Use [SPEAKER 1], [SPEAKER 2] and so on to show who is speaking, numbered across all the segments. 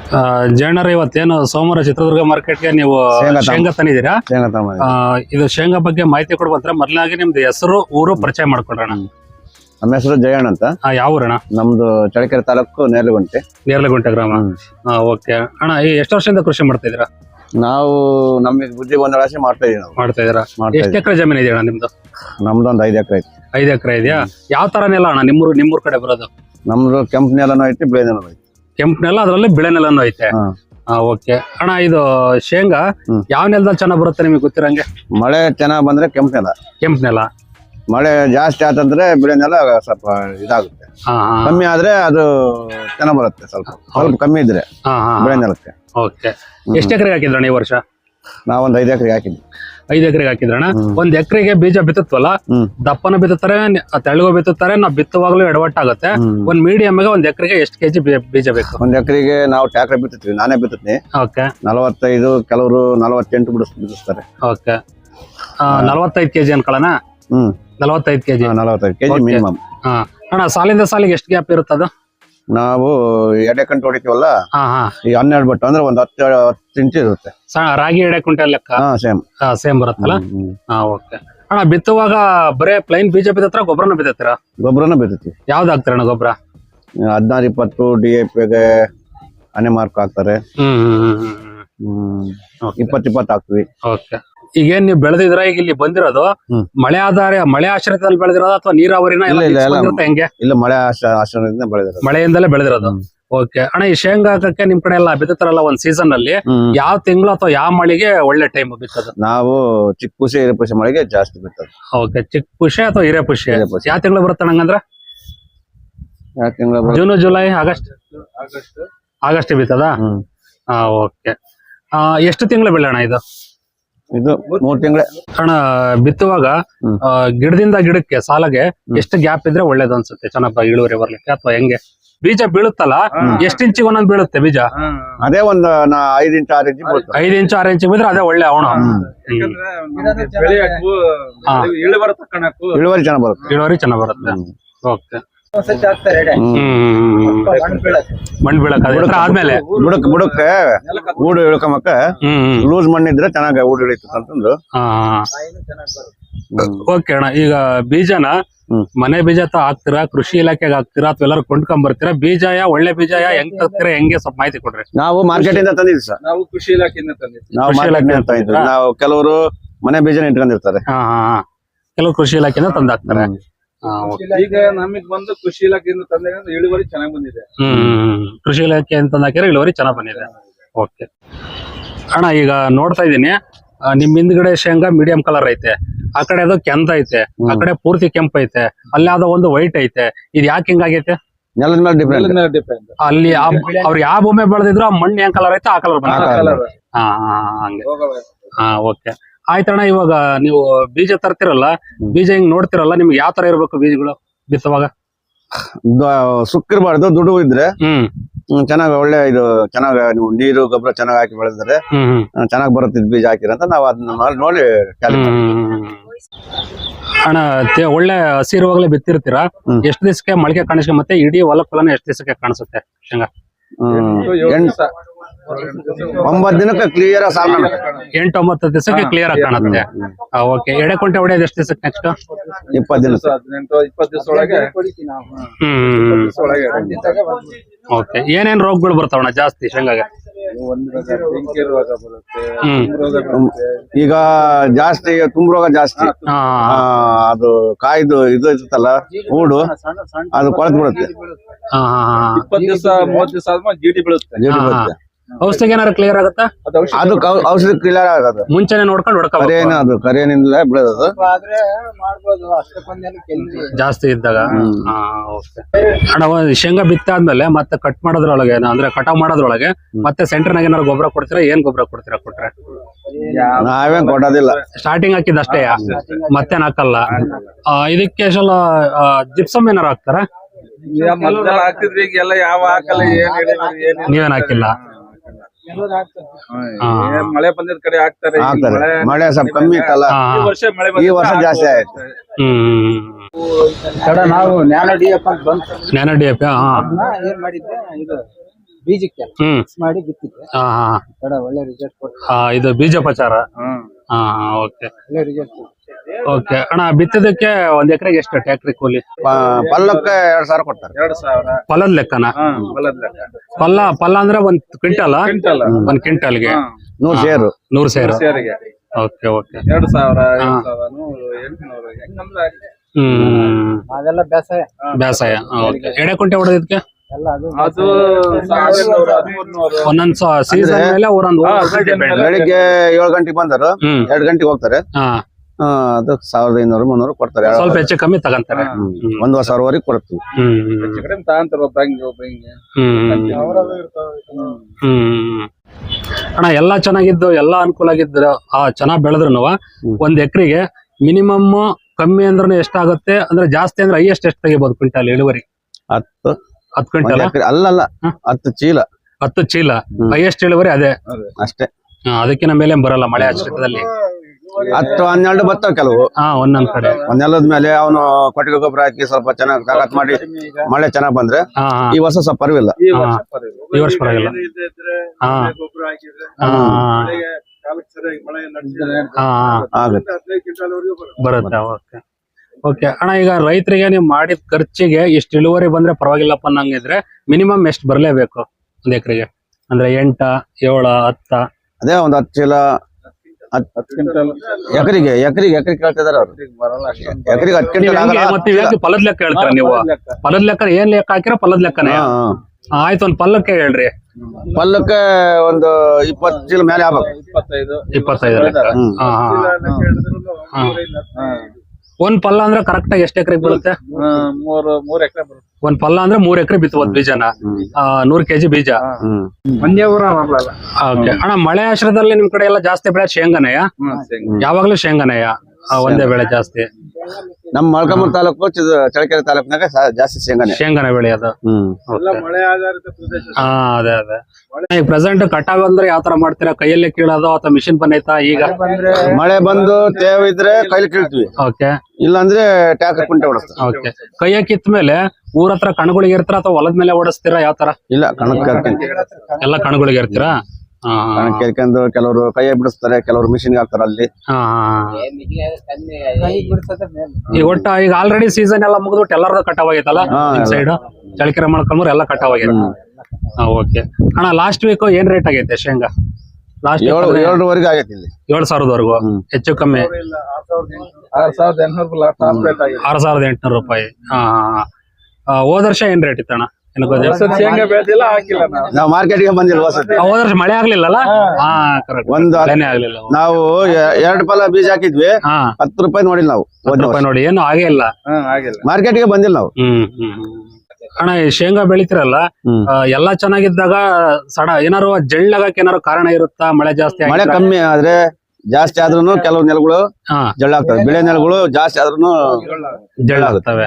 [SPEAKER 1] ಜಯಣ್ಣರ ಇವತ್ತೇನು ಸೋಮವಾರ ಚಿತ್ರದುರ್ಗ ಮಾರ್ಕೆಟ್ಗೆ ನೀವು ಶೇಂಗಾ ತಂದಿದ್ದೀರಾ? ಇದು ಶೇಂಗಾ ಬಗ್ಗೆ ಮಾಹಿತಿ ಕೊಡ್ಬಂದ್ರೆ ಮೊದಲಾಗಿ ನಿಮ್ದು ಹೆಸರು ಊರು ಪರಿಚಯ ಮಾಡ್ಕೊಡ್ರಣ.
[SPEAKER 2] ನಮ್ಮ ಹೆಸರು ಜಯಣ್ಣ ಅಂತ.
[SPEAKER 1] ಯಾವ ಊರಣ್ಣ?
[SPEAKER 2] ನಮ್ದು ಚಳ್ಳಕೆರೆ ತಾಲೂಕು ನೇರ್ಲಗುಂಟೆ ಗ್ರಾಮ.
[SPEAKER 1] ಓಕೆ ಅಣ್ಣ, ಈ ಎಷ್ಟು ವರ್ಷದಿಂದ ಕೃಷಿ ಮಾಡ್ತಾ ಇದೀರಾ?
[SPEAKER 2] ನಾವು ನಮಗೆ ಬುದ್ಧಿ ಬಂದ ರಾಶಿ ಮಾಡ್ತಾ
[SPEAKER 1] ಇದೀರಾ. ಎಷ್ಟು ಎಕರೆ ಜಮೀನು ಇದೆಯಣ್ಣ ನಿಮ್ದು?
[SPEAKER 2] ನಮ್ದು ಒಂದು 5 ಎಕರೆ ಐತಿ.
[SPEAKER 1] 5 ಎಕರೆ ಇದೆಯಾ? ಯಾವ ತರ ನೆಲ ಅಣ್ಣ ನಿಮ್ಮೂರ್ ಕಡೆ ಬರೋದು?
[SPEAKER 2] ನಮ್ದು ಕೆಂಪು ನೆಲನೂ ಐತಿ, ಬಿಳೆ ನೆಲನೂ ಐತಿ.
[SPEAKER 1] ಕೆಂಪು ನೆಲ, ಅದರಲ್ಲಿ ಬಿಳೆ ನೆಲನೂ ಐತೆ. ಓಕೆ ಅಣ್ಣ, ಇದು ಶೇಂಗಾ ಯಾವ ನೆಲದಲ್ಲಿ ಚೆನ್ನಾಗ್ ಬರುತ್ತೆ ನಿಮಗೆ ಗೊತ್ತಿರಂಗೆ?
[SPEAKER 2] ಮಳೆ ಚೆನ್ನಾಗ್ ಬಂದ್ರೆ ಕೆಂಪು ನೆಲ, ಮಳೆ ಜಾಸ್ತಿ ಆತಂದ್ರೆ ಬಿಳೆ ನೆಲ ಸ್ವಲ್ಪ ಇದಾಗುತ್ತೆ. ಕಮ್ಮಿ ಆದ್ರೆ ಅದು ಚೆನ್ನಾಗ್ ಬರುತ್ತೆ. ಸ್ವಲ್ಪ ಕಮ್ಮಿ ಇದ್ರೆ ಬಿಳೆ ನೆಲಕ್ಕೆ.
[SPEAKER 1] ಓಕೆ, ಎಷ್ಟು ಎಕರೆಗೆ ಹಾಕಿದ್ರಣ್ಣ ಈ ವರ್ಷ?
[SPEAKER 2] ನಾವೊಂದು 5 ಎಕರೆಗೆ ಹಾಕಿದ್ವಿ.
[SPEAKER 1] 5 ಎಕರೆಗೆ ಹಾಕಿದ್ರಣ್ಣ. ಒಂದ್ ಎಕರೆಗೆ ಬೀಜ ಬಿತ್ತುತ್ತವಲ್ಲ, ದಪ್ಪನ ಬಿತ್ತುತ್ತಾರೆ, ತೆಳಗು ಬಿತ್ತುತ್ತಾರೆ, ನಾವು ಬಿತ್ತುವಾಗ್ಲೂ ಎಡವಟ್ಟಾಗುತ್ತೆ. ಒಂದ್ ಮೀಡಿಯಂ ಒಂದ್ ಎಕರೆಗೆ ಎಷ್ಟು ಕೆಜಿ ಬೀಜ ಬೇಕು?
[SPEAKER 2] ಒಂದ್ ಎಕರೆಗೆ ನಾವು ಟ್ರ್ಯಾಕ್ಟರ್ ಬಿತ್ತುತ್ತೀವಿ, ನಾನೇ ಬಿತ್ತುತ್ತೀನಿ.
[SPEAKER 1] ಓಕೆ,
[SPEAKER 2] 45, ಕೆಲವರು 48 ಬಿಡಿಸ್ತಾರೆ.
[SPEAKER 1] ಓಕೆ, 45 ಕೆಜಿ ಅನ್ಕೊಳ್ಳೋಣ. 45 ಕೆಜಿ.
[SPEAKER 2] 45 KG minimum.
[SPEAKER 1] ಅಣ್ಣ, ಸಾಲಿಂದ ಸಾಲಿಗೆ ಎಷ್ಟು ಗ್ಯಾಪ್ ಇರುತ್ತದ?
[SPEAKER 2] ನಾವು ಎಡೆ ಕಂಟು ಹೊಡಿತೀವಲ್ಲ, ಈ 12 ಬಟ್ಟು ಅಂದ್ರೆ ಒಂದು 10 ಇಂಚ್ ಇರುತ್ತೆ.
[SPEAKER 1] ರಾಗಿ ಎಡೆ ಕುಂಟೆ ಲೆಕ್ಕ ಸೇಮ್ ಬರುತ್ತಲ್ಲ. ಓಕೆ ಅಣ್ಣ, ಬಿತ್ತುವಾಗ ಬರೇ ಪ್ಲೈನ್ ಬೀಜ ಬಿತ್ತತ್ರ ಗೊಬ್ಬರನ ಬಿತ್ತತ್ತೀರಾ?
[SPEAKER 2] ಗೊಬ್ಬರನ ಬಿತ್ತುತ್ತೀವಿ.
[SPEAKER 1] ಯಾವ್ದು ಹಾಕ್ತಾರಣ್ಣ ಗೊಬ್ಬರ?
[SPEAKER 2] 16-20 DAP-ಗೆ ಅನೆ ಮಾರ್ಕ್ ಹಾಕ್ತಾರೆ. 20-20 ಹಾಕ್ತಿವಿ.
[SPEAKER 1] ಓಕೆ, ಈಗೇನ್ ನೀವು ಬೆಳೆದಿದ್ರ, ಈಗ ಇಲ್ಲಿ ಬಂದಿರೋದು ಮಳೆ ಆಶ್ರಯದಲ್ಲಿ ಬೆಳೆದಿರೋದು ಅಥವಾ ನೀರಾವರಿನ? ಹೆಂಗೆ?
[SPEAKER 2] ಇಲ್ಲ, ಮಳೆ ಆಶ್ರಯದಿಂದ ಬೆಳೆದಿರೋದು.
[SPEAKER 1] ಮಳೆಯಿಂದಲೇ ಬೆಳೆದಿರೋದು. ಓಕೆ ಅಣ್ಣ, ಈ ಶೇಂಗಾ ಹಾಕಕ್ಕೆ ನಿಮ್ ಕಡೆ ಎಲ್ಲ ಬಿತ್ತತಾರಲ್ಲ ಒಂದ್ ಸೀಸನ್ ಅಲ್ಲಿ, ಯಾವ ತಿಂಗಳು ಅಥವಾ ಯಾವ ಮಳೆಗೆ ಒಳ್ಳೆ ಟೈಮ್ ಬಿತ್ತದು?
[SPEAKER 2] ನಾವು ಚಿಕ್ಕ ಪುಷಿ ಹಿರೇಪುಷಿ ಮಳೆಗೆ ಜಾಸ್ತಿ ಬಿತ್ತದು.
[SPEAKER 1] ಓಕೆ, ಚಿಕ್ಕ ಪುಷಿ ಅಥವಾ ಹಿರೇಪುಷಿ ಯಾವ ತಿಂಗಳು ಬರುತ್ತೆ ಹಂಗಂದ್ರ? ಜೂನ್, ಜುಲೈ, ಆಗಸ್ಟ್ ಬಿತ್ತದ? ಓಕೆ, ಎಷ್ಟು ತಿಂಗಳು ಬೆಳೆ ಅಣ್ಣ ಇದು?
[SPEAKER 2] ಇದು 3 ತಿಂಗಳೇ
[SPEAKER 1] ಅಣ್ಣ. ಬಿತ್ತುವಾಗ ಗಿಡದಿಂದ ಗಿಡಕ್ಕೆ ಸಾಲಗೆ ಎಷ್ಟು ಗ್ಯಾಪ್ ಇದ್ರೆ ಒಳ್ಳೇದು ಅನ್ಸುತ್ತೆ ಚೆನ್ನಾಗಿ ಇಳುವರಿ ಬರ್ಲಿಕ್ಕೆ, ಅಥವಾ ಹೆಂಗೆ? ಬೀಜ ಬೀಳುತ್ತಲ್ಲ, ಎಷ್ಟು ಇಂಚಿಗೆ ಒಂದೊಂದು ಬೀಳುತ್ತೆ ಬೀಜ?
[SPEAKER 2] ಅದೇ ಒಂದು 5 ಇಂಚ್ 6 ಇಂಚ್
[SPEAKER 1] 5 ಇಂಚ್ 6 ಇಂಚ್ ಬಿದ್ರೆ ಅದೇ ಒಳ್ಳೆ ಅವಣ.
[SPEAKER 2] ಇಳುವರಿ ಚೆನ್ನಾಗ್ ಬರುತ್ತೆ.
[SPEAKER 1] ಓಕೆ, ಮಣ್ಣು ಬೀಳಕ್ ಆದ್ಮೇಲೆ
[SPEAKER 2] ಬುಡಕ್ಕೆ ಊಡು ಇಳ್ಕೊಂಬಕ್ಕ ಲೂಸ್ ಮಣ್ಣಿದ್ರೆ ಚೆನ್ನಾಗಿ ಊಡು ಇಳಿತದೆ ಅಂತಂದು.
[SPEAKER 1] ಓಕೆ ಅಣ್ಣ, ಈಗ ಬೀಜನ ಮನೆ ಬೀಜ ಹಾಕ್ತೀರಾ, ಕೃಷಿ ಇಲಾಖೆಗೆ ಹಾಕ್ತೀರಾ, ಅಥವಾ ಎಲ್ಲರೂ ಕೊಂಡ್ಕೊಂಡ್ ಬರ್ತೀರಾ? ಬೀಜ ಒಳ್ಳೆ ಬೀಜ ಹೆಂಗ್ ತಗ್ತೀರಾ, ಹೆಂಗೆ ಸ್ವಲ್ಪ ಮಾಹಿತಿ ಕೊಡ್ರಿ.
[SPEAKER 2] ನಾವು ಮಾರ್ಕೆಟ್ ಇಂದ ತಂದಿದ್ವಿ ಸರ್.
[SPEAKER 3] ನಾವು ಕೃಷಿ ಇಲಾಖೆಯಿಂದ
[SPEAKER 2] ತಂದಿದ್ವಿ. ನಾವು ಕೆಲವರು ಮನೆ ಬೀಜನ ಇಟ್ಕೊಂಡಿರ್ತಾರೆ.
[SPEAKER 1] ಕೆಲವು ಕೃಷಿ ಇಲಾಖೆಯಿಂದ ತಂದಾಕ್ತಾರೆ.
[SPEAKER 3] ಈಗ ನಮಗ್ ಬಂದು ಕೃಷಿ ಇಲಾಖೆಯಿಂದ ತಂದಾಗ ಇಳುವರಿ ಚೆನ್ನಾಗಿ ಬಂದಿದೆ.
[SPEAKER 1] ಕೃಷಿ ಇಲಾಖೆ ಅಂತ ತಂದಾಕಿದ್ರೆ ಇಳುವರಿ ಚೆನ್ನಾಗ್ ಬಂದಿದೆ. ಓಕೆ ಅಣ್ಣ, ಈಗ ನೋಡ್ತಾ ಇದೀನಿ ನಿಮ್ ಹಿಂದ್ಗಡೆ ಶೇಂಗಾ ಮೀಡಿಯಂ ಕಲರ್ ಐತೆ, ಆ ಕಡೆ ಅದು ಕೆಂಪ ಐತೆ, ಆ ಕಡೆ ಪೂರ್ತಿ ಕೆಂಪ್ ಐತೆ, ಅಲ್ಲಿ ಯಾವ್ದೋ ಒಂದು ವೈಟ್ ಐತೆ. ಇದು ಯಾಕೆ ಹಿಂಗಾಗೈತೆ?
[SPEAKER 2] ನೆಲದ ಮೇಲೆ ಡಿಪೆಂಡ್.
[SPEAKER 1] ಅಲ್ಲಿ ಅವ್ರು ಯಾವ ಭೂಮಿ ಬೆಳೆದಿದ್ರು ಆ ಮಣ್ಣು ಹೆಂಗ್ ಕಲರ್ ಐತೆ ಆ ಕಲರ್ ಬಂದ. ಹಂಗೆ. ಓಕೆ ಆಯ್ತಣ್ಣ, ಇವಾಗ ನೀವು ಬೀಜ ತರ್ತಿರಲ್ಲ, ಬೀಜ ಹಿಂಗ್ ನೋಡ್ತಿರಲ್ಲ, ನಿಮ್ಗೆ ಯಾವ ತರ ಇರ್ಬೇಕು ಬೀಜಗಳು ಬಿತ್ತುವಾಗ?
[SPEAKER 2] ಸುಕ್ಕಿರ್ಬಾರ್ದು, ದುಡು ಇದ್ರೆ ಚೆನ್ನಾಗ್ ಒಳ್ಳೆ ಇದು ಚೆನ್ನಾಗ್ ನೀವು ನೀರು ಗೊಬ್ಬರ ಚೆನ್ನಾಗ್ ಹಾಕಿ ಬೆಳೆದ್ರೆ ಚೆನ್ನಾಗ್ ಬರುತ್ತೆ ಬೀಜ ಹಾಕಿರ ಅಂತ ನಾವು ಅದನ್ನ ನೋಡಿ.
[SPEAKER 1] ಅಣ್ಣ, ಒಳ್ಳೆ ಹಸಿರುವಾಗಲೇ ಬಿತ್ತಿರ್ತೀರಾ, ಎಷ್ಟು ದಿವಸಕ್ಕೆ ಮೊಳಕೆ ಕಾಣಿಸ್ಕೆ ಮತ್ತೆ ಇಡೀ ಹೊಲ ಫಲನ ಎಷ್ಟು ದಿವಸಕ್ಕೆ ಕಾಣಿಸುತ್ತೆ ಶೇಂಗಾ?
[SPEAKER 2] 9 ದಿನಕ್ಕೆ ಕ್ಲಿಯರ್ ಆಗಿ ಸಾಲ
[SPEAKER 1] 8-9 ದಿವಸಕ್ಕೆ ಕ್ಲಿಯರ್ ಆಗಿ ಕಾಣುತ್ತೆ. ಓಕೆ, ಎಡೆ ಕುಂಟೆ ಹೊಡೆಯೋದು ಎಷ್ಟು ದಿವಸಕ್ಕೆ? ನೆಕ್ಸ್ಟ್
[SPEAKER 2] 20 ದಿನ.
[SPEAKER 3] 18-20 ದಿವಸ ಒಳಗೆ.
[SPEAKER 1] ಓಕೆ, ಏನೇನ್ ರೋಗಗಳು ಬರ್ತಾವಣ್ಣ ಜಾಸ್ತಿ ಶೇಂಗಾಗೆ?
[SPEAKER 2] ಈಗ ಜಾಸ್ತಿ ತುಂಬ ರೋಗ ಜಾಸ್ತಿ. ಅದು ಕಾಯ್ದು ಇದು ಇರ್ತಲ್ಲ ಊಡು, ಅದು ಕೊಳತ್ ಬಿಡುತ್ತೆ.
[SPEAKER 3] 20 ದಿವಸ 30 ದಿವಸ ಆದ್ಮೇಲೆ ಜೀಡಿ ಬೀಳುತ್ತೆ.
[SPEAKER 1] ಔಷಧಿಗೆ ಏನಾರು ಕ್ಲಿಯರ್ ಆಗುತ್ತಾ?
[SPEAKER 2] ಅದು ಔಷಧಿ ಕ್ಲಿಯರ್ ಆಗೋದು
[SPEAKER 1] ಮುಂಚೆನೆ ನೋಡ್ಕೊಂಡು
[SPEAKER 2] ಹೊಡ್ಕೋಬೇಕು. ಅದು ಕರಿಯನಿಂದ ಬೆಳೆದದು
[SPEAKER 1] ಜಾಸ್ತಿ ಇದ್ದಾಗ. ಅಣ್ಣ, ಶೇಂಗಾ ಬಿತ್ತಾದ್ಮೇಲೆ ಮತ್ತೆ ಕಟ್ ಮಾಡೋದ್ರೊಳಗೆ ಅಂದ್ರೆ ಕಟಾವ್ ಮಾಡೋದ್ರೊಳಗೆ ಮತ್ತೆ ಸೆಂಟರ್ನಾಗ ಏನಾರು ಗೊಬ್ಬರ ಕೊಡ್ತೀರಾ? ಏನ್ ಗೊಬ್ಬರ ಕೊಡ್ತೀರಾ? ಕೊಟ್ರೆ
[SPEAKER 2] ನಾವೇನ್ ಕೊಡೋದಿಲ್ಲ,
[SPEAKER 1] ಸ್ಟಾರ್ಟಿಂಗ್ ಹಾಕಿದ ಅಷ್ಟೇ, ಮತ್ತೇನ್ ಹಾಕಲ್ಲ. ಇದಕ್ಕೆ ಸ್ವಲ್ಪ ಜಿಪ್ಸಮ್ ಏನಾರು ಹಾಕ್ತಾರ?
[SPEAKER 3] ಹಾಕ್ತಿದ್ವಿ, ಈಗ ಎಲ್ಲ ಯಾವ ಹಾಕಲ್ಲ.
[SPEAKER 1] ನೀವೇನ್ ಹಾಕಿಲ್ಲ?
[SPEAKER 3] ಮಳೆ ಬಂದಿದ ಕಡೆ ಹಾಕ್ತಾರೆ.
[SPEAKER 2] ಮಳೆ ಸ್ವಲ್ಪ ಕಮ್ಮಿ ಇತ್ತಲ್ಲ, ಈ ವರ್ಷ ಜಾಸ್ತಿ ಆಯ್ತು.
[SPEAKER 3] ನಾವು ನ್ಯಾನೋ ಡಿಎಫ್ ಅಂತ ಬಂತು.
[SPEAKER 1] ನ್ಯಾನೋ ಡಿಎಫ್
[SPEAKER 3] ಏನ್ ಮಾಡಿದ್ದೆ, ಇದು
[SPEAKER 4] ಬೀಜಕ್ಕೆ
[SPEAKER 1] ಹ್ಮ್
[SPEAKER 4] ಮಾಡಿ ಬಿತ್ತಿದ್ದೆ
[SPEAKER 1] ಹಾ ಹಾ
[SPEAKER 4] ಕಡೆ ಒಳ್ಳೆ ರಿಸಲ್ಟ್ ಕೊಟ್ಟು
[SPEAKER 1] ಇದು ಬೀಜೋಪಚಾರ
[SPEAKER 3] ಹ್ಮ್
[SPEAKER 1] ಹಾ ಓಕೆ
[SPEAKER 4] ಒಳ್ಳೆ ರಿಸಲ್ಟ್
[SPEAKER 1] ಓಕೆ ಅಣ್ಣ ಬಿತ್ತದಕ್ಕೆ ಒಂದ್ ಎಕರೆಗೆ ಎಷ್ಟು ಟ್ಯಾಕ್ಟ್ರಿ ಕೂಲಿ
[SPEAKER 2] ಪಲ್ಲಕ್ಕೆ 2,000 ಕೊಡ್ತಾರೆ.
[SPEAKER 3] 2,000
[SPEAKER 1] ಫಲದ ಲೆಕ್ಕನ
[SPEAKER 3] ಹೊಲದ ಲೆಕ್ಕ.
[SPEAKER 1] ಫಲ ಅಂದ್ರೆ ಒಂದ್ ಕ್ವಿಂಟಲ್
[SPEAKER 3] ಕ್ವಿಂಟಲ್
[SPEAKER 1] ಒಂದ್ ಕ್ವಿಂಟಲ್ಗೆ
[SPEAKER 2] 100 ಸೇರು.
[SPEAKER 1] 100 ಸೇರು
[SPEAKER 3] ಸೇರಿಗೆ
[SPEAKER 1] ಓಕೆ ಓಕೆ
[SPEAKER 3] 2,000 8,000 800 ಹೆಂಗಂದ್ರೆ
[SPEAKER 4] ನಾವೆಲ್ಲ ಬೇಸಾಯ
[SPEAKER 1] ಬೇಸಾಯ ಓಕೆ ಎಡೆ ಕುಂಟೆ ಹೊಡೆದಕ್ಕೆ
[SPEAKER 4] ಎಲ್ಲ ಅದು
[SPEAKER 3] ಅದು 1,100 1,300
[SPEAKER 1] ಒಂದೊಂದ್ ಸೀಸನ್ ಮೇಲೆ ಒಂದೊಂದ್ ಡಿಪೆಂಡ್
[SPEAKER 2] ಬೆಳಿಗ್ಗೆ 7 ಗಂಟೆಗೆ ಬಂದರು,
[SPEAKER 1] ಹ್ಮ್
[SPEAKER 2] 2 ಗಂಟೆಗೆ ಹೋಗ್ತಾರೆ.
[SPEAKER 1] ಹಾ
[SPEAKER 2] ಅದು 1,500 300 ಕೊಡ್ತಾರೆ.
[SPEAKER 1] ಸ್ವಲ್ಪ ಹೆಚ್ಚು ಕಮ್ಮಿ ತಗಂತಾರೆ
[SPEAKER 2] 1,000 ಕೊಡ್ತೀವಿ.
[SPEAKER 3] ಹೆಚ್ಚು ಕಡಿಮೆ ತಗೊಂತಾರ ಒಬ್ಬ ಹಿಂಗೆ
[SPEAKER 4] ಅವರಲ್ಲೂ ಇರ್ತಾವೆ.
[SPEAKER 1] ಹ್ಮ್ ಅಣ್ಣ ಎಲ್ಲಾ ಚೆನ್ನಾಗಿದ್ದು ಎಲ್ಲಾ ಅನುಕೂಲ ಆಗಿದ್ರು ಚೆನ್ನಾಗ್ ಬೆಳೆದ್ರು ಒಂದ್ ಎಕರೆಗೆ ಮಿನಿಮಮ್ ಕಮ್ಮಿ ಅಂದ್ರೂ ಎಷ್ಟಾಗುತ್ತೆ ಅಂದ್ರೆ ಜಾಸ್ತಿ ಅಂದ್ರೆ ಹೈಯೆಸ್ಟ್ ಎಷ್ಟು ತೆಗಿಬಹುದು ಕ್ವಿಂಟಲ್ ಇಳುವರಿ?
[SPEAKER 2] 10
[SPEAKER 1] ಕ್ವಿಂಟಲ್
[SPEAKER 2] ಅಲ್ಲಲ್ಲ 10 ಚೀಲ
[SPEAKER 1] 10 ಚೀಲ ಹೈಯೆಸ್ಟ್ ಇಳುವರಿ ಅದೇ
[SPEAKER 2] ಅಷ್ಟೇ.
[SPEAKER 1] ಅದಕ್ಕಿಂತ ಮೇಲೆ ಬರಲ್ಲ ಮಳೆ ಆಶ್ರಿತದಲ್ಲಿ
[SPEAKER 2] 10-12 ಬರ್ತಾವ ಕೆಲವು.
[SPEAKER 1] ಒಂದೊಂದ್ ಕಡೆ
[SPEAKER 2] ಒಂದೆಲ್ಲದ ಮೇಲೆ ಅವನು ಕೊಟ್ಟಿಗೆ ಗೊಬ್ಬರ ಹಾಕಿ ಸ್ವಲ್ಪ ಚೆನ್ನಾಗಿ ತಾಕತ್ ಮಾಡಿ ಮಳೆ ಚೆನ್ನಾಗ್ ಬಂದ್ರೆ ಈ ವರ್ಷ ಸ್ವಲ್ಪ ಪರವಿಲ್ಲ.
[SPEAKER 3] ಈ ವರ್ಷ ಪರವಾಗಿಲ್ಲ.
[SPEAKER 1] ಈ ವರ್ಷ ಪರವಾಗಿಲ್ಲ. ಹಾ
[SPEAKER 3] ಗೊಬ್ಬರ ಹಾಕಿದ್ರೆ
[SPEAKER 1] ಹಾ
[SPEAKER 3] ಕಾಲಕ್ಕೆ ಸರಿಯಾಗಿ ಮಳೆ ನಡೆಸಿದ್ರೆ
[SPEAKER 1] ಹಾ
[SPEAKER 2] ಆಗುತ್ತೆ.
[SPEAKER 3] 15 ಕ್ವಿಂಟಲ್ವರೆಗೂ
[SPEAKER 1] ಬರುತ್ತೆ ಓಕೆ ಓಕೆ ಅಣ್ಣ ಈಗ ರೈತರಿಗೆ ನೀವು ಮಾಡಿದ ಖರ್ಚಿಗೆ ಇಷ್ಟು ಇಳುವರಿ ಬಂದ್ರೆ ಪರವಾಗಿಲ್ಲಪ್ಪ ಅನ್ನಂಗಿದ್ರೆ ಮಿನಿಮಮ್ ಎಷ್ಟು ಬರ್ಲೇಬೇಕು ಒಂದ್ ಎಕರೆಗೆ? ಅಂದ್ರೆ 8 7 10
[SPEAKER 2] ಅದೇ ಒಂದ್ 10 ಚೀಲ
[SPEAKER 3] 10 ಕ್ವಿಂಟಲ್
[SPEAKER 2] ಎಕರೆಗೆ ಕೇಳ್ತಿದಾರೆ ಅವ್ರು.
[SPEAKER 3] ಬರಲ್ಲ ಅಷ್ಟೊಂದು.
[SPEAKER 2] ಎಕರೆಗೆ 10
[SPEAKER 1] ನೀವ್
[SPEAKER 2] ಕ್ವಿಂಟಲ್
[SPEAKER 1] ಹೆಂಗೆ
[SPEAKER 2] ಆಗಲ್ಲ.
[SPEAKER 1] ಮತ್ತೆ ಯಾಕೆ ಫಲದ ಲೆಕ್ಕ ಹೇಳ್ತೀರ ನೀವು? ಫಲದ ಲೆಕ್ಕ ಏನ್ ಲೆಕ್ಕ ಹಾಕಿರ ಫಲದ ಲೆಕ್ಕನೇ? ಆಯ್ತು ಒಂದ್ ಪಲ್ಲಕ್ಕೆ ಹೇಳ್ರಿ.
[SPEAKER 2] ಪಲ್ಲಕ್ಕೆ ಒಂದು 20 ಚೀಲ ಮೇಲೆ ಆಗ್ಬೇಕು.
[SPEAKER 3] 25
[SPEAKER 1] ಲೆಕ್ಕ ಹಾ ಹಾ ಒಂದ್ ಪಲ್ಲ ಅಂದ್ರೆ ಕರೆಕ್ಟ್ ಆಗಿ ಎಷ್ಟು ಎಕರೆಗೆ ಬೀಳುತ್ತೆ?
[SPEAKER 3] 3 ಎಕರೆ ಬರುತ್ತೆ.
[SPEAKER 1] ಒಂದ್ ಪಲ್ಲ ಅಂದ್ರೆ 3 ಎಕರೆ ಬಿತ್ತಬಹುದು ಬೀಜನ 100 kg ಬೀಜ.
[SPEAKER 3] ಒಂದೇ ಊರ ಬರಲ್ಲ.
[SPEAKER 1] ಓಕೆ ಅಣ್ಣ ಮಳೆ ಆಶ್ರಯದಲ್ಲಿ ನಿಮ್ ಕಡೆ ಎಲ್ಲ ಜಾಸ್ತಿ ಬೆಳೆ ಶೇಂಗಾನೆಯ? ಯಾವಾಗ್ಲೂ ಶೇಂಗಾನೆಯ ಒಂದೇ ಬೆಳೆ ಜಾಸ್ತಿ?
[SPEAKER 2] ನಮ್ಮ ಮೊಳಕಾಲ್ಮೂರು ತಾಲೂಕು ಚಳ್ಳಕೆರೆ ತಾಲೂಕಿನಾಗ ಜಾಸ್ತಿ
[SPEAKER 1] ಶೇಂಗಾನೆ ಬೆಳೆಯೋದು.
[SPEAKER 3] ಎಲ್ಲ ಮಳೆ ಆಧಾರಿತ ಪ್ರದೇಶ.
[SPEAKER 1] ಅದೇ ಈಗ ಪ್ರೆಸೆಂಟ್ ಕಟಾವ್ ಅಂದ್ರೆ ಯಾವ ತರ ಮಾಡ್ತೀರಾ? ಕೈಯಲ್ಲೇ ಕೀಳೋದು ಅಥವಾ ಮಿಷಿನ್ ಬಂದೈತಾ ಈಗ?
[SPEAKER 2] ಮಳೆ ಬಂದು ತೇವ್ ಇದ್ರೆ ಕೈಲಿ ಕೀಳ್ತೀವಿ,
[SPEAKER 1] ಓಕೆ
[SPEAKER 2] ಇಲ್ಲಾಂದ್ರೆ ಟ್ಯಾಕ್ಟರ್ ಕುಂಟೆ ಹೊಡಿಸ್ತೀವಿ.
[SPEAKER 1] ಓಕೆ ಕೈಯ ಕಿತ್ತ ಮೇಲೆ ಊರ ಹತ್ರ ಕಣಗಳಿಗೆ ಇರ್ತೀರಾ ಅಥವಾ ಹೊಲದ ಮೇಲೆ ಓಡಿಸ್ತೀರಾ? ಯಾವ ತರ?
[SPEAKER 2] ಇಲ್ಲ ಕಣಕ್
[SPEAKER 1] ಎಲ್ಲ ಕಣಗಳಿಗೆ ಇರ್ತೀರಾ?
[SPEAKER 2] ಕೇಳ್ಕೊಂಡು ಕೆಲವರು ಕೈಯಾಗ ಬಿಡಿಸ್ತಾರೆ, ಕೆಲವರು ಮಿಷಿನ್ ಹಾಕ್ತಾರೆ ಅಲ್ಲಿ.
[SPEAKER 1] ಈಗ ಒಟ್ಟ ಈಗ ಆಲ್ರೆಡಿ ಸೀಸನ್ ಎಲ್ಲ ಮುಗಿದ್ಬಿಟ್ಟು ಎಲ್ಲರದು ಕಟಾವ್ ಆಗೈತಲ್ಲ ನಿಮ್ ಸೈಡ್? ಚಳ್ಳಕೆರೆ ಮೊಳಕಾಲ್ಮೂರು ಎಲ್ಲ ಕಟಾವ್ ಆಗೈತೆ. ಓಕೆ ಅಣ್ಣ ಲಾಸ್ಟ್ ವೀಕ್ ಏನ್ ರೇಟ್ ಆಗೈತೆ ಶೇಂಗಾ? ಲಾಸ್ಟ್
[SPEAKER 2] 7,000 ಆಗೈತಿ ಇಲ್ಲಿ.
[SPEAKER 1] 7,000 ಹೆಚ್ಚು ಕಮ್ಮಿ
[SPEAKER 3] 6,800
[SPEAKER 1] ರೂಪಾಯಿ. ಹೋದ ವರ್ಷ ಏನ್ ರೇಟ್ ಇತ್ತಣ್ಣ?
[SPEAKER 3] ಶೇಂಗಾ ಬೆಳೆದಿಲ್ಲ, ಹಾಕಿಲ್ಲ
[SPEAKER 2] ನಾವು ಮಾರ್ಕೆಟ್ಗೆ ಬಂದಿಲ್ಲ ಹೊಸತಿ.
[SPEAKER 1] ಹೋದ ವರ್ಷ ಮಳೆ ಆಗ್ಲಿಲ್ಲಲ್ಲ? ಕರೆಕ್ಟ್ ಮಳೆನೇ ಆಗ್ಲಿಲ್ಲ.
[SPEAKER 2] ನಾವು 2 ಪಲ ಬೀಜ ಹಾಕಿದ್ವಿ, 10 ರೂಪಾಯಿ ನೋಡಿಲ್ಲ ನಾವು.
[SPEAKER 1] 10 ರೂಪಾಯಿ ನೋಡಿ ಏನು ಆಗೇ ಇಲ್ಲ.
[SPEAKER 2] ಮಾರ್ಕೆಟ್ಗೆ ಬಂದಿಲ್ಲ ನಾವು.
[SPEAKER 1] ಅಣ್ಣ ಈ ಶೇಂಗಾ ಬೆಳಿತಿರಲ್ಲ ಎಲ್ಲಾ ಚೆನ್ನಾಗಿದ್ದಾಗ ಏನಾರು ಜಳ್ಳಾಗಕ್ಕೆ ಏನಾರು ಕಾರಣ ಇರುತ್ತಾ? ಮಳೆ ಜಾಸ್ತಿ
[SPEAKER 2] ಮಳೆ ಕಮ್ಮಿ ಆದ್ರೆ ಜಾಸ್ತಿ ಆದ್ರೂ ಕೆಲವು ನೆಲಗಳು ಜಳ್ಳಾಗ್ತವೆ. ಬೆಳೆ ನೆಲಗಳು ಜಾಸ್ತಿ ಆದ್ರೂ
[SPEAKER 1] ಜಳ್ಳಾಗುತ್ತವೆ.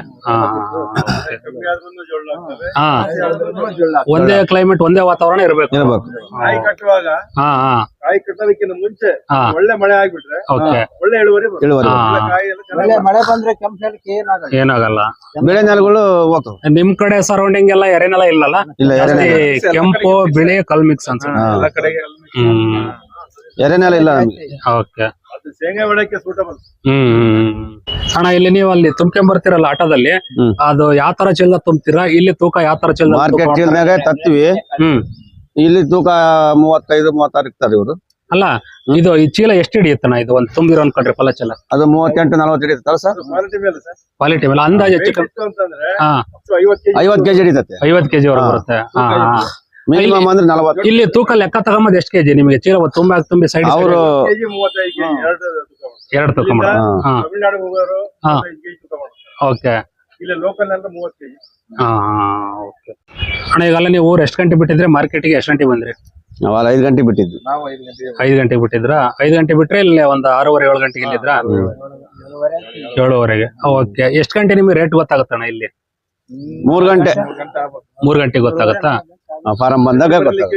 [SPEAKER 1] ಒಂದೇ ಕ್ಲೈಮೇಟ್ ಒಂದೇ ವಾತಾವರಣ ಇರ್ಬೇಕು.
[SPEAKER 3] ಕಾಯಿ ಕಟ್ಟುವಾಗ ಕಾಯಿ ಕಟ್ಟೋದಕ್ಕಿಂತ ಮುಂಚೆ ಒಳ್ಳೆ ಮಳೆ ಆಗ್ಬಿಟ್ರೆ ಒಳ್ಳೆ ಇಳುವರಿ.
[SPEAKER 4] ಒಳ್ಳೆ ಮಳೆ ಬಂದ್ರೆ ಕೆಂಪು
[SPEAKER 1] ಏನಾಗಲ್ಲ.
[SPEAKER 2] ಬೆಳೆ ನೆಲಗಳು ಹೋಗ್ತವೆ.
[SPEAKER 1] ನಿಮ್ ಕಡೆ ಸರೌಂಡಿಂಗ್ ಎಲ್ಲ ಎರೆನೆಲ ಇಲ್ಲಲ್ಲ? ಜಾಸ್ತಿ ಕೆಂಪು ಬಿಳಿ ಕಲ್ ಮಿಕ್ಸ್ ಅನ್ಸುತ್ತೆ.
[SPEAKER 2] ಎರೆನೆಲ ಇಲ್ಲ ನಮ್ಗೆ.
[SPEAKER 1] ಓಕೆ
[SPEAKER 3] ಶೇಂಗಾ ಬೆಳೆಕ್ಕೆ ಸೂಟಬಲ್.
[SPEAKER 1] ಅಣ್ಣ ಇಲ್ಲಿ ನೀವು ಅಲ್ಲಿ ತುಂಬ್ಕೊಂಡ್ ಬರ್ತೀರಲ್ಲ ಆಟೋದಲ್ಲಿ, ಅದು ಯಾವ ತರ ಚೀಲ ತುಂಬ್ತೀರಾ? ಇಲ್ಲಿ ತೂಕ ಯಾವ ತರ ಚೀಲ?
[SPEAKER 2] ಮಾರ್ಕೆಟ್ ಚೀಲನಾಗ ತರ್ತೀವಿ, ಇಲ್ಲಿ ತೂಕ 35-36 ಇರ್ತಾರೆ ಇವರು.
[SPEAKER 1] ಅಲ್ಲ ಇದು ಈ ಚೀಲ ಎಷ್ಟು ಹಿಡಿಯುತ್ತಣ್ಣ? ಇದು ಒಂದು ತುಂಬಿರೋ ಅನ್ಕೊಂಡ್ರೆ ಫಲ ಚೀಲ
[SPEAKER 2] ಅದು 38-40 ಹಿಡಿಯುತ್ತಲ್ಲ ಸರ್.
[SPEAKER 1] ಕ್ವಾಲಿಟಿ ಮೇಲೆ ಅಂದಾಜು ಹೆಚ್ಚು ಕಮ್ಮಿ
[SPEAKER 2] 50 kg ಹಿಡಿತತೆ.
[SPEAKER 1] 50 kg ವರೆಗೆ ಬರುತ್ತೆ.
[SPEAKER 2] ಮಿನಿಮಮ್ ಅಂದ್ರೆ 40.
[SPEAKER 1] ಇಲ್ಲಿ ತೂಕ ಲೆಕ್ಕ ತಗೊಂಬದ್ ಎಷ್ಟು ಕೆಜಿ ನಿಮಗೆ ಚೀಲ ತುಂಬಿ ಸೈಡ್?
[SPEAKER 2] ಅವರು
[SPEAKER 1] 2 ತೂಕ ಓಕೆ. ಅಣ್ಣ ಈಗಲ್ಲ ನೀವು ಊರು ಎಷ್ಟು ಗಂಟೆ ಬಿಟ್ಟಿದ್ರೆ ಮಾರ್ಕೆಟಿಗೆ ಎಷ್ಟು ಗಂಟೆ ಬಂದ್ರಿ?
[SPEAKER 2] ನಾವು 5 ಗಂಟೆ ಬಿಟ್ಟಿದ್ವಿ.
[SPEAKER 1] 5 ಗಂಟೆಗೆ ಬಿಟ್ಟಿದ್ರ? 5 ಗಂಟೆ ಬಿಟ್ರೆ ಇಲ್ಲಿ ಒಂದು 6:30-7 ಗಂಟೆಗೆ ಇಲ್ಲಿದ್ರ? 7:30ಗೆ. ಓಕೆ ಎಷ್ಟು ಗಂಟೆ ನಿಮ್ಗೆ ರೇಟ್ ಗೊತ್ತಾಗುತ್ತಣ್ಣ ಇಲ್ಲಿ?
[SPEAKER 2] 3 ಗಂಟೆ.
[SPEAKER 1] 3 ಗಂಟೆಗೆ ಗೊತ್ತಾಗತ್ತಾ?
[SPEAKER 2] ಫಾರಂ ಬಂದಾಗ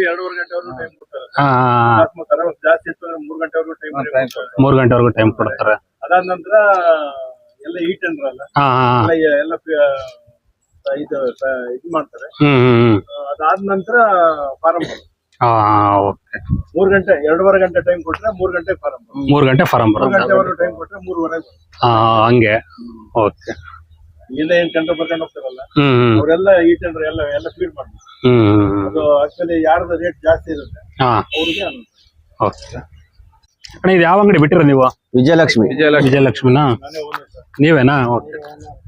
[SPEAKER 1] 3 ಗಂಟೆವರೆಗೂ ಟೈಮ್ ಕೊಡ್ತಾರೆ.
[SPEAKER 3] ಅದಾದ ನಂತರ ಎಲ್ಲ ಈ ಟೆಂಡರ್ ಅಲ್ಲ, ಇದು ಮಾಡ್ತಾರೆ.
[SPEAKER 1] ಹ್ಮ್ ಹ್ಮ್ ಹ್ಮ್
[SPEAKER 3] ಅದಾದ ನಂತರ ಫಾರಂ
[SPEAKER 1] ಹಾ ಓಕೆ
[SPEAKER 3] 3 ಗಂಟೆ 2.5 ಗಂಟೆ ಟೈಮ್ ಕೊಟ್ರೆ 3 ಗಂಟೆಗೆ ಫಾರಂ
[SPEAKER 1] 3 ಗಂಟೆ ಫಾರಂ
[SPEAKER 3] 3
[SPEAKER 1] ಬರುತ್ತೆ
[SPEAKER 3] ಗಂಟೆವರೆಗೂ ಟೈಮ್ ಕೊಟ್ರೆ 3:30
[SPEAKER 1] ಹಾ ಹಂಗೆ ಓಕೆ
[SPEAKER 3] ಇಲ್ಲಿಂದ ಏನ್ ಕಂಟ್ರೋಲ್ ಬರ್ಕೊಂಡು ಹೋಗ್ತಾರಲ್ಲ
[SPEAKER 1] ಹ್ಮ್ ಹ್ಮ್
[SPEAKER 3] ಅವರೆಲ್ಲ ಈ ಟೆಂಡರ್ ಎಲ್ಲ ಫೀಡ್ ಮಾಡ್ತಾರೆ.
[SPEAKER 1] ಹ್ಮ್
[SPEAKER 3] ಅದು ಆಕ್ಚುಲಿ ಯಾರ್ದು ರೇಟ್ ಜಾಸ್ತಿ ಇರುತ್ತೆ
[SPEAKER 1] ಹಾ
[SPEAKER 3] ಅವ್ರಿಗೆ
[SPEAKER 1] ಓಕೆ ಅಣ್ಣ ಇದು ಯಾವ ಅಂಗಡಿ ಬಿಟ್ಟಿರ ನೀವು
[SPEAKER 2] ವಿಜಯಲಕ್ಷ್ಮಿ
[SPEAKER 1] ವಿಜಯಲಕ್ಷ್ಮಿನಾ
[SPEAKER 3] ನಾನೇ ಓನರ್ ಸರ್.
[SPEAKER 1] ನೀವೇನಾ ಓಕೆ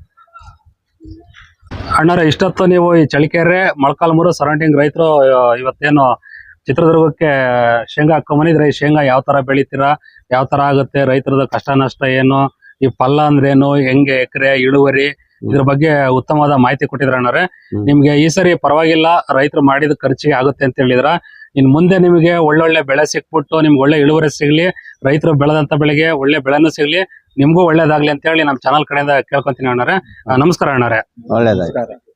[SPEAKER 1] ಅಣ್ಣಾರ ಇಷ್ಟೊತ್ತು ನೀವು ಈ ಚಳಿಕೆರೆ ಮೊಳಕಾಲ್ಮೂರು ಸರೌಂಡಿಂಗ್ ರೈತರು ಇವತ್ತೇನು ಚಿತ್ರದುರ್ಗಕ್ಕೆ ಶೇಂಗಾ ಹಾಕೊಂಬಂದಿದ್ರೆ ಈ ಶೇಂಗಾ ಯಾವ ತರ ಬೆಳಿತೀರಾ, ಯಾವ ತರ ಆಗುತ್ತೆ, ರೈತರದ ಕಷ್ಟ ನಷ್ಟ ಏನು, ಈ ಫಲ ಅಂದ್ರೇನು, ಹೆಂಗೆ ಎಕರೆ ಇಳುವರಿ, ಇದ್ರ ಬಗ್ಗೆ ಉತ್ತಮವಾದ ಮಾಹಿತಿ ಕೊಟ್ಟಿದ್ರ ಅಣ್ಣಾರೆ. ನಿಮ್ಗೆ ಈ ಸರಿ ಪರವಾಗಿಲ್ಲ, ರೈತರು ಮಾಡಿದ ಖರ್ಚಿಗೆ ಆಗುತ್ತೆ ಅಂತ ಹೇಳಿದ್ರ. ಇನ್ ಮುಂದೆ ನಿಮಗೆ ಒಳ್ಳೊಳ್ಳೆ ಬೆಳೆ ಸಿಕ್ಬಿಟ್ಟು ನಿಮ್ಗೆ ಒಳ್ಳೆ ಇಳುವರಿ ಸಿಗ್ಲಿ, ರೈತರು ಬೆಳೆದಂತ ಬೆಳೆಗೆ ಒಳ್ಳೆ ಬೆಳೆನೂ ಸಿಗ್ಲಿ, ನಿಮ್ಗೂ ಒಳ್ಳೇದಾಗ್ಲಿ ಅಂತ ಹೇಳಿ ನಮ್ಮ ಚಾನಲ್ ಕಡೆಯಿಂದ ಕೇಳ್ಕೊಂತೀನಿ ಅಣ್ಣಾರೆ. ನಮಸ್ಕಾರ ಅಣ್ಣಾರೆ.
[SPEAKER 2] ಒಳ್ಳೇದಾಯ್ತು.